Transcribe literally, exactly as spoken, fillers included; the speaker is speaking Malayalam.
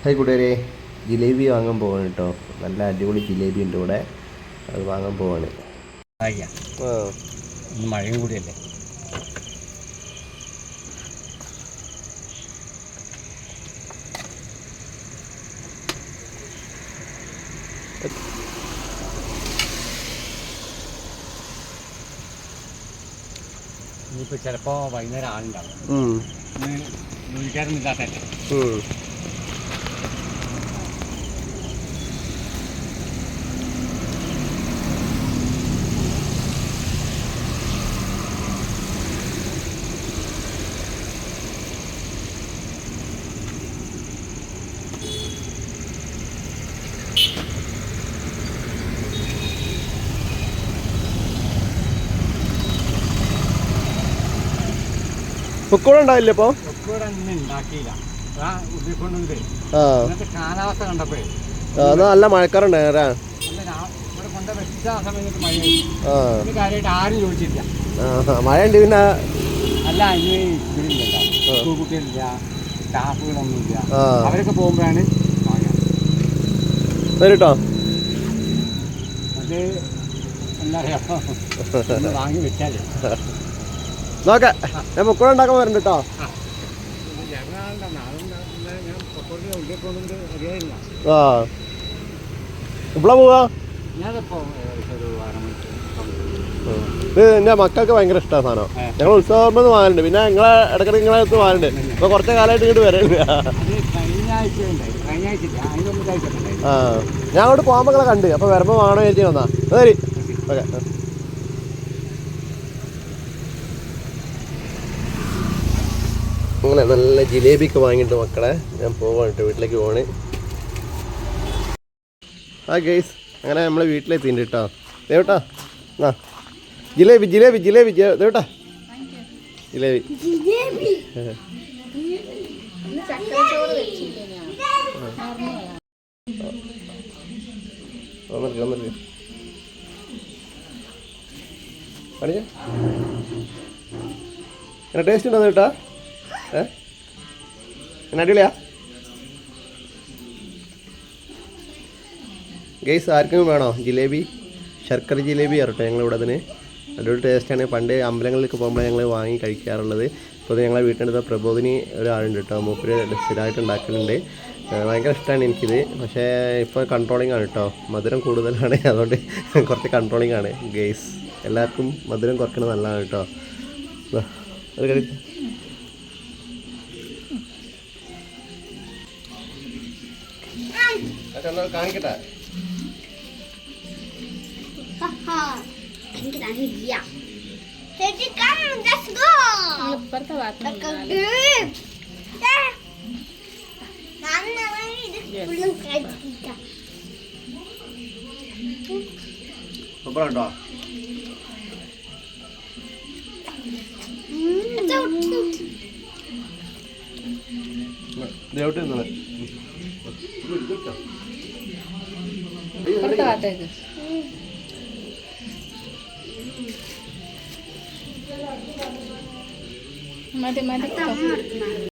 ഹായ് കൂട്ടുകാരെ, ജിലേബി വാങ്ങാൻ പോവാണ് കേട്ടോ. നല്ല അടിപൊളി ജിലേബി ഉണ്ട് ഇവിടെ, അത് വാങ്ങാൻ പോവാണ്. ആ മഴയും കൂടിയല്ലേ. ഇനിയിപ്പോൾ ചിലപ്പോൾ വൈകുന്നേരം ആളുണ്ടാവും. ജോലിക്കാരൊന്നുമില്ലാത്തല്ലേ. പൊക്കോടെ ഉണ്ടാവില്ല ഇപ്പോൾ പൊക്കോടെ ഉണ്ടാക്കിയില്ല. കാലാവസ്ഥ കണ്ടപ്പോഴേ നല്ല മഴക്കാറുണ്ടായിരുന്നു. ഇവിടെ കൊണ്ട് വെച്ച സമയത്ത് മഴ കാര്യമായിട്ട് ആരും ചോദിച്ചില്ല. മഴ ഉണ്ട്. പിന്നെ അല്ല, ഇനി ഇതിലില്ല, സ്കൂൾ കുട്ടികളില്ല, സ്റ്റാഫുകളൊന്നുമില്ല. അവരൊക്കെ പോകുമ്പോഴാണ് കേട്ടോ. അത് എന്താ പറയാ, വാങ്ങി വെച്ചാലേ നോക്കെ ഞാൻ പൊക്കോടെ ഉണ്ടാക്കാൻ വരണ്ട കേട്ടോ. ആ എപ്പോഴാ പോവാ? ഇത് എൻ്റെ മക്കൾക്ക് ഭയങ്കര ഇഷ്ടമാണ് സാധനം. ഞങ്ങൾ ഉത്സവം വാങ്ങലുണ്ട്, പിന്നെ നിങ്ങളെ ഇടയ്ക്കിടയ്ക്ക് നിങ്ങളെ അടുത്ത് വാങ്ങലുണ്ട്. ഇപ്പോൾ കുറച്ച് കാലമായിട്ട് ഇങ്ങോട്ട് വരണ്ട. ആ ഞാൻ അങ്ങോട്ട് പോകുമ്പോൾ നിങ്ങളെ കണ്ട്, അപ്പോൾ വരുമ്പോൾ വാങ്ങണോ ചേച്ചി വന്നാ ശരി. ഓക്കെ. അങ്ങനെ നല്ല ജിലേബിയൊക്കെ വാങ്ങിയിട്ട് മക്കളെ ഞാൻ പോവാണ് കേട്ടോ, വീട്ടിലേക്ക് പോവാണ്. ആ ഗൈസ്, അങ്ങനെ നമ്മൾ വീട്ടിലെത്തിണ്ട് കേട്ടോ. ദേവട്ടാ ആ ജിലേബി ജിലേബി ജിലേബി ദേവട്ടാ ജിലേബി. എങ്ങനെ ടേസ്റ്റ് ഉണ്ടോ ദേവട്ടാ? ഏ എന്നെ അടിപൊളിയാ ഗൈസ്? ആർക്കും വേണോ ജിലേബി? ശർക്കര ജിലേബി ആറട്ടെ ഞങ്ങളിവിടെ അതിന് അടിപൊളി ടേസ്റ്റാണ്. പണ്ട് അമ്പലങ്ങളിലേക്ക് പോകുമ്പോൾ ഞങ്ങൾ വാങ്ങി കഴിക്കാറുള്ളത്. ഇപ്പോൾ ഞങ്ങളെ വീട്ടിനടുത്ത പ്രബോധിനി ഒരാളുണ്ട് കേട്ടോ, മൂപ്പര് സ്ഥിരമായിട്ട് ഉണ്ടാക്കലുണ്ട്. ഭയങ്കര ഇഷ്ടമാണ് എനിക്കിത്. പക്ഷേ ഇപ്പോൾ കൺട്രോളിംഗ് ആണ് കേട്ടോ, മധുരം കൂടുതലാണ്, അതുകൊണ്ട് കുറച്ച് കൺട്രോളിംഗ് ആണ് ഗൈസ്. എല്ലാവർക്കും മധുരം കുറയ്ക്കുന്നത് നല്ലതാണ് കേട്ടോ. ഒരു കഴി കാണിക്കട്ടെ. സൂപ്പറാട്ടോ. ദേവട്ടെ മതി മതി.